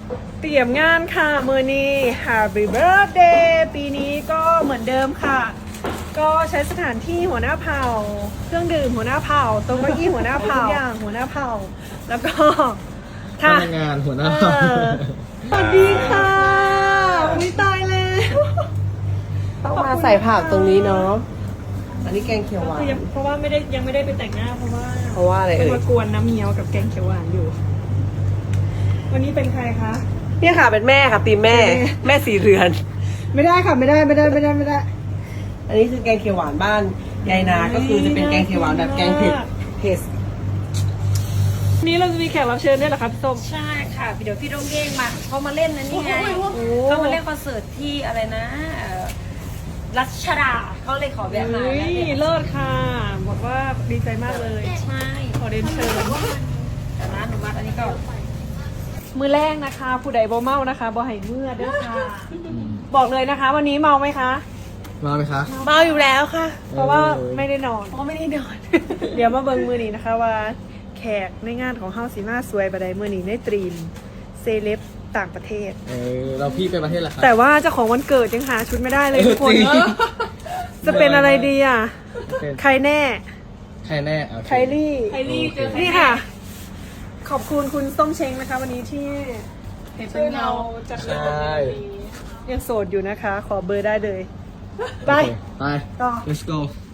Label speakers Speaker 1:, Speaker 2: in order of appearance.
Speaker 1: เตรียมงานค่ะมือนี้ Happy Birthday ปีนี้ก็เหมือนเดิมค่ะ ก็ใช้สถานที่หัวหน้าเผ่าเครื่องดื่มหัวหน้าเผ่าโต๊ะเก้าอี้หัวหน้าเผ่าทุกอย่างหัวหน้าเผ่าแล้วก็
Speaker 2: พนักงานหัวหน้า
Speaker 1: สวัสดีค่ะอุ้ยตายแล้ว
Speaker 3: ต้องมาใส่ผักตรงนี้เนาะ อันนี้แกงเขียวหวาน
Speaker 1: เพราะว่ายังไม่ได้ไปแต่งหน้าเพราะว่า
Speaker 3: อะไร
Speaker 1: ต้อง
Speaker 3: เอ่ย
Speaker 1: มากวนน้ำเงี้ยวกับแกงเขียวหวานอยู่ วันนี้เป็นใครคะ
Speaker 3: เนี่ยค่ะเป็นแม่ค่ะตีมแม่ แม่สีเรือน
Speaker 1: ไม่ได้ค่ะไม่ได้
Speaker 3: อันนี้คือแกงเขียวหวานบ้านยายนา ก็คือจะเป็นแกงเขียวหวานแบบแกงเผ็ด
Speaker 1: วันนี้เราจะมีแขกรับเชิญด้วยเหรอคะพี่ส้ม
Speaker 4: ใช่ค่ะเดี๋ยวพี่โดงเก้งมาเขามาเล่นนะนี่ไง
Speaker 1: โอ้
Speaker 4: เขามาเล่นคอนเสิร์ตที่อะไรนะรัชดาเขาเลยขอแวะมา
Speaker 1: เฮ้ยเลิศค่ะบอกว่าดีใจมากเลย
Speaker 4: ใช่
Speaker 1: ขอเรียนเชิญ
Speaker 4: แต่ร้านหนูมาอันนี้ก็
Speaker 1: มือแรกนะคะ ผู้ใดบ่เมานะคะบ่ให้เมื่อเด้อค่ะ บอกเลยนะคะ วันนี้เมาไหมคะ
Speaker 2: มาไหมคะ
Speaker 3: เมาอยู่แล้วค่ะ
Speaker 1: เพราะว่าไม่ได้นอน
Speaker 4: เขาไม่ได้นอน
Speaker 1: เดี๋ยวมาเบิ่งมือนี้นะคะว่าแขกในงานของเฮาสีมาสวยบดายมือนี้ในตรีมเซเลบต่างประเทศ
Speaker 2: เราพี่ไปประเทศละครับ
Speaker 1: แต่ว่าเจ้าของวันเกิดยังหาชุดไม่ได้เลยทุกคน
Speaker 2: จริง
Speaker 1: จะเป็นอะไรดีอ่ะ
Speaker 2: เป็น
Speaker 1: ใครแน่
Speaker 2: ใครแน่โอเค
Speaker 1: ไคลี่
Speaker 4: ไคลี่เจอใคร
Speaker 1: นี่ค่ะ ขอบคุณคุณส้มเช้งนะคะ วันนี้ที่
Speaker 4: เห็นเป็
Speaker 1: ช่วย
Speaker 4: น
Speaker 1: เรา
Speaker 4: เงา
Speaker 1: จัดเรื่องนี้ยังโสดอยู่นะคะ ขอเบอร์ได้เลย ไป
Speaker 2: โอเคไป
Speaker 1: ต่อ
Speaker 2: let's go